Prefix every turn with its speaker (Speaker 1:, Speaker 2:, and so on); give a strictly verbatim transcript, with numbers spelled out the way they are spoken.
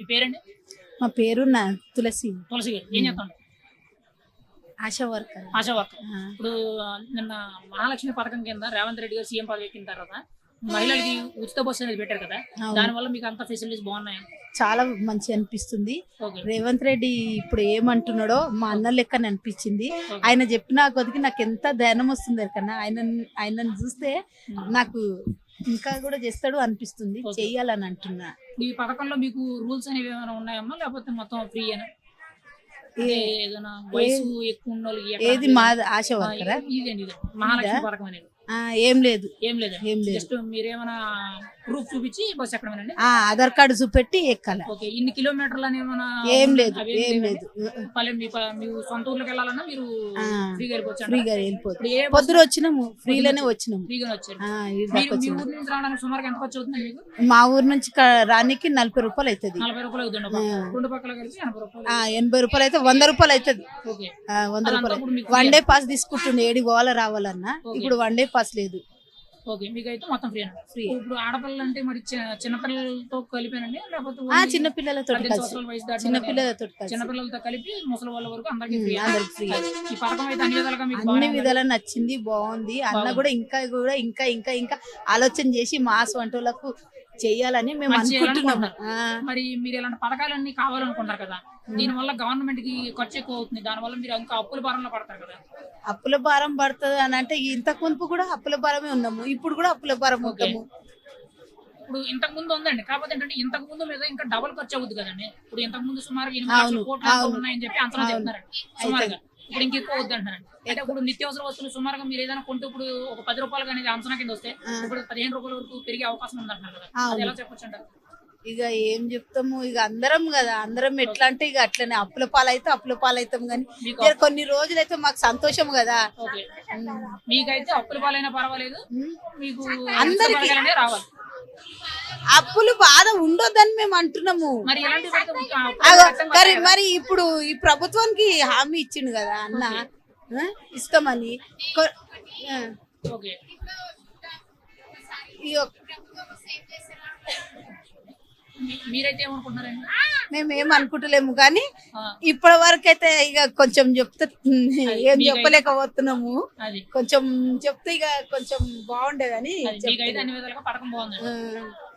Speaker 1: పేరండి?
Speaker 2: మా పేరు నా తులసి.
Speaker 1: తులసి గారు ఏం చేస్తాను?
Speaker 2: ASHA worker.
Speaker 1: ASHA worker. ఇప్పుడు ఆ, నిన్న మహాలక్ష్మి పథకం కింద రేవంత్ రెడ్డి గారు సీఎం పదవి ఎక్కిన తర్వాత మహిళలకి ఉచిత బస్సు అనేది పెట్టారు కదా, దానివల్ల మీకు అంత ఫెసిలిటీస్ బాగున్నాయి?
Speaker 2: చాలా మంచి అనిపిస్తుంది.
Speaker 1: ఓకే.
Speaker 2: రేవంత్ రెడ్డి ఇప్పుడు ఏమంటున్నాడో మా అన్న లెక్కని అనిపించింది. ఆయన చెప్పిన కొద్దికి నాకు ఎంత ధ్యానం వస్తుంది కన్నా ఆయన ఆయనను చూస్తే నాకు ఇంకా కూడా చేస్తాడు అనిపిస్తుంది. చెయ్యాలని అంటున్నా.
Speaker 1: ఈ పథకంలో మీకు రూల్స్ అనేవి ఏమైనా ఉన్నాయమ్మా, లేకపోతే మొత్తం ఫ్రీ అయినా? ఏదైనా వయసు ఎక్కువ ఉన్న వాళ్ళకి ఎక్కడ-
Speaker 2: ఏది మా ఆశ వర్కరా?
Speaker 1: ఇదండి ఇది మహాలక్ష్మి పథకం అనేది
Speaker 2: ఆ, ఏం లేదు
Speaker 1: ఏం లేదు.
Speaker 2: ఏం లేదు.
Speaker 1: జస్ట్ మీరేమైనా ప్రూఫ్ చూపించి బస్ ఎక్కడమేనండి?
Speaker 2: ఆ ఆధార్ కార్డు చూపెట్టి ఎక్కాల.
Speaker 1: ఓకే. ఇన్ని కిలోమీటర్లు అని ఏమైనా?
Speaker 2: ఏం లేదు
Speaker 1: అవేం
Speaker 2: ఏం
Speaker 1: లేవండి?
Speaker 2: లేదు.
Speaker 1: పల్లె మీ ప- మీ సొంత ఊర్లోకి వెళ్ళాలన్నా మీరు
Speaker 2: ఆ,
Speaker 1: ఫ్రీగా వెళ్ళిపోవచ్చు అంటారా?
Speaker 2: ఫ్రీగా వెళ్ళిపోతుంది.
Speaker 1: ఇప్పుడు ఏ బస్సు-
Speaker 2: పొద్దున వచ్చినాము, ఫ్రీలోనే వచ్చినాము.
Speaker 1: ఫ్రీగా వచ్చారు.
Speaker 2: ఆ, ఈడ
Speaker 1: మీరు
Speaker 2: దాకా
Speaker 1: మీ
Speaker 2: వచ్చినాము.
Speaker 1: ఊరు నుంచి రావడానికి సుమారుగా ఎంత ఖర్చు అవుతుంది మీకు?
Speaker 2: మా ఊరు నుంచి క- రానికి నలభై రూపాయలు అవుతుంది.
Speaker 1: నలభై రూపాయలు అవుతుంది.
Speaker 2: ఆ.
Speaker 1: రెండు పక్కల కలిసి ఎనభై రూపాయలు.
Speaker 2: ఆ, ఎనభై రూపాయలు అయితే వంద రూపాయలు అవుతుంది.
Speaker 1: ఓకే.
Speaker 2: ఆ, వంద
Speaker 1: అదంతా
Speaker 2: రూపాయలు.
Speaker 1: ఇప్పుడు మీకు
Speaker 2: వన్ డే పాస్ తీసుకుంటుండే ఏడి పోవాలా రావాలన్నా. ఇప్పుడు వన్ డే పాస్ లేదు.
Speaker 1: ఓకే. మీకు అయితే మొత్తం ఫ్రీ అండి.
Speaker 2: ఫ్రీ.
Speaker 1: ఇప్పుడు ఆడపిల్లలు అంటే మరి చి- చిన్నపిల్లలతో కలిపేనండి, లేకపోతే
Speaker 2: ఆ,
Speaker 1: ఓన్లీ
Speaker 2: చిన్న పిల్లలతో
Speaker 1: పద్దెనిమిది
Speaker 2: కలిసి
Speaker 1: సంవత్సరాల వయసు దాటిన
Speaker 2: చిన్నపిల్లలతో కలిసి
Speaker 1: చిన్నపిల్లలతో కలిపి ముసలి వాళ్ళ వరకు అందరికీ ఫ్రీ.
Speaker 2: అందరికి ఫ్రీ.
Speaker 1: ఈ పథకం అయితే అన్ని విధాలుగా మీకు
Speaker 2: అన్ని
Speaker 1: బాగానే
Speaker 2: విధాలా నచ్చింది, బాగుంది. అన్న కూడా ఇంకా కూడా ఇంకా ఇంకా ఇంకా ఆలోచన చేసి మాస్ వంటలకు చెయ్యాలని మేము
Speaker 1: మంచి
Speaker 2: అనుకుంటున్నాం.
Speaker 1: చేయాలనుకుంటున్నారు. మరి మీరు ఇలాంటి పథకాలన్నీ కావాలనుకుంటారు కదా, దీని వల్ల గవర్నమెంట్ కి ఖర్చు ఎక్కువ అవుతుంది, దాని వల్ల మీరు ఇంకా అప్పుల భారంలో పడతారు కదా.
Speaker 2: అప్పుల భారం పడుతుంది అని అంటే ఇంతకు మునుపు కూడా అప్పుల భారమే ఉన్నాము, ఇప్పుడు కూడా అప్పుల భారం ఉంటాము.
Speaker 1: ఇప్పుడు ఇంతకు ముందు ఉందండి, కాకపోతే ఏంటంటే ఇంతకు ముందు మీద ఇంకా డబుల్ ఖర్చు అవుతుంది కదండి. ఇప్పుడు ఇంతకు ముందు సుమారు ఎనిమిది లక్షల కోట్లు ఎంతో ఉన్నాయని చెప్పి అంచనా చెప్తున్నారండి సుమారుగా. ఇప్పుడు ఇంక ఎక్కువ అవుద్ది అంటారండి. అంటే ఇప్పుడు నిత్యావసర వస్తువులు సుమారుగా మీరు ఏదైనా కొంటే ఇప్పుడు ఒక పది రూపాయలు అనేది అంచనా కింద వస్తే ఇప్పుడు పదిహేను రూపాయల వరకు పెరిగే అవకాశం ఉందంటున్నారు కదా, అది ఎలా చెప్పొచ్చు అంటారు?
Speaker 2: ఇక ఏం చెప్తాము, ఇక అందరం కదా, అందరం ఎట్లా అంటే ఇక అట్లనే అప్పుల పాలైతే అప్పుల పాలైతాం కానీ ఇక కొన్ని రోజులైతే మాకు సంతోషం కదా.
Speaker 1: ఓకే. మీకైతే అప్పుల పాలైనా పర్వాలేదు, మీకు
Speaker 2: అందరికీ
Speaker 1: పథకాలనే రావాలి.
Speaker 2: అప్పులు బాధ ఉండొద్దని మేము అంటున్నాము.
Speaker 1: మరి ఎలాంటి
Speaker 2: అగో, మరి మరి ఇప్పుడు ఈ ప్రభుత్వానికి హామీ ఇచ్చిండు కదా అన్న, ఆ, ఇస్తామని. కొ- ఆ,
Speaker 1: ఓకే.
Speaker 2: ఈ ఒక్-
Speaker 1: మీ- మీరైతే ఏమనుకుంటున్నారండి?
Speaker 2: మేము ఏం అనుకుంటలేము కానీ
Speaker 1: ఆ,
Speaker 2: ఇప్పటి వరకు అయితే ఇక కొంచెం చెప్తే ఏం
Speaker 1: మీకైతే-
Speaker 2: చెప్పలేకపోతున్నాము.
Speaker 1: అది
Speaker 2: కొంచెం చెప్తే ఇక కొంచెం బాగుండేదని
Speaker 1: అది మీకైతే అన్ని విధాలుగా పథకం బాగుంది.
Speaker 2: ఆ,